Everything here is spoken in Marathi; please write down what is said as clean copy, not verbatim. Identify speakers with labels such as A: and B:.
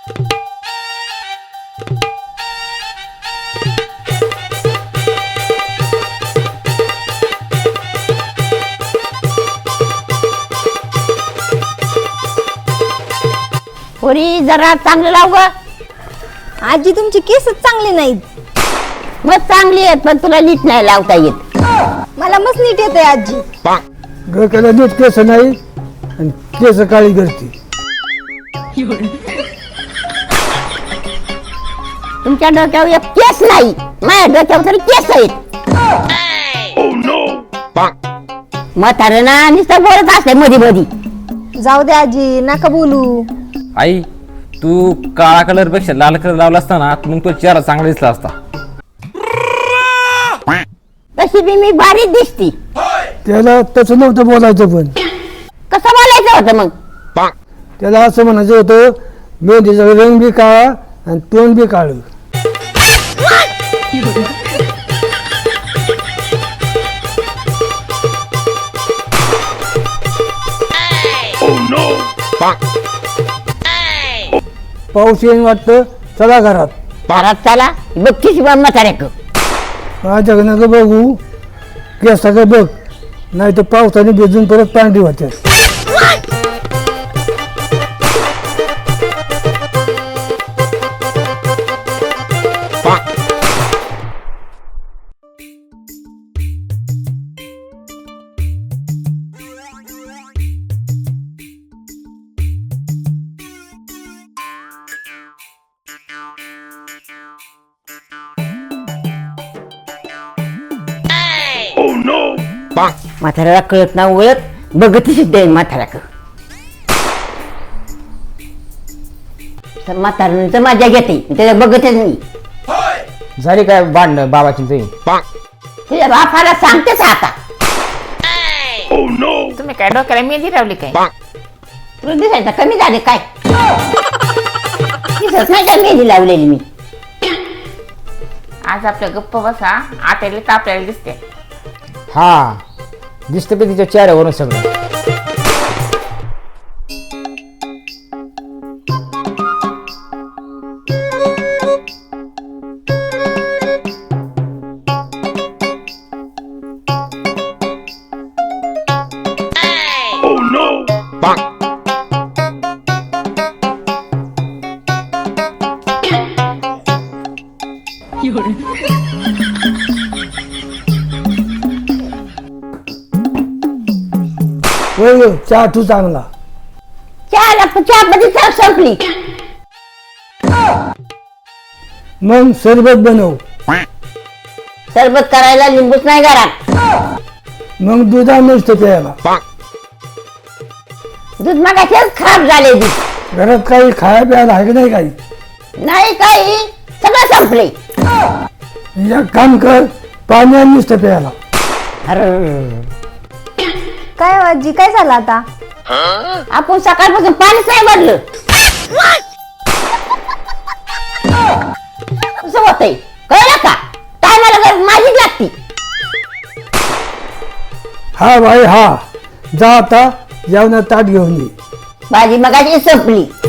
A: पोरी जरा चांगलं लाव ग.
B: आजी तुमची केसच चांगले नाहीत.
A: मग चांगली आहेत पण तुला नीट नाही लावता येत.
B: मला मस्त नीट येते आजी.
C: डोक्याला नीट केस नाही आणि केस काळी करते.
A: तुमच्या डोक्यावर एक केस नाही, माझ्या डोक्यावर तरी केस आहेत. म्हातारं ना नुसतं बोलत असते मधी मधी.
B: जाऊ दे आजी नका बोलू.
D: आई तू काळा कलर पेक्षा लाल कलर लावला असता ना मग तो चेहरा चांगला दिसला असता.
A: तशी बी मी बारीक दिसती.
C: त्याला तसं नव्हतं बोलायचं, पण
A: कसं बोलायचं होतं मग?
C: त्याला असं म्हणायचं होतं मेहंदीचा रंग बी काळा आणि तोंड बी काळं. पाऊस येईन वाटतं, चला घरात.
A: घरात चला बघतीस बा म्हाताऱ्याक.
C: माझ्याकडे नका बघू, केसाकडे बघ, नाही तर पावसाने भिजून परत पांढरी होते.
A: म्हाताऱ्याला कळत ना ओळख बघती सुद्धा म्हाताऱ्याक. म्हाताऱ्याचं मजा घेते त्याला बघतच नाही.
E: झाली काय भांडणं बाबाची तुझी?
A: तुझ्या बापाला सांगतेच आता.
F: तुम्ही काय डोक्याला मेहंदी लावली काय?
A: तुला दिसायचं कमी झाले काय? दिसत नाही का मेहंदी लावलेली मी?
F: आज आपल्या गप्प बसा, आताला तर आपल्याला दिसते.
E: हा दिसतं की तिच्या चेहऱ्यावरून सगळं.
C: होय चहा तू चांगला.
A: चहामध्ये चहा संपली.
C: मग सरबत बनव.
A: सरबत करायला लिंबूच नाही घरात.
C: मग दुधा नसतं प्यायला.
A: दूध मागायचेच खराब झाले दूध.
C: घरात काही खाया प्यायला आहे की नाही काही?
A: नाही काही सगळं संपले.
C: एक काम कर, पाणी आणि नुसतं प्यायला.
A: अरे
B: काय हो आजी काय झालं आता?
A: आपण सकाळपासून पाणीच नाही भरलं. कसं होतंय कळलं का? टायमाला गरज माझीच लागती.
C: हा भाई हा, जा आता जेवणात ताट घेऊन ये.
A: भाजी मगाची संपली.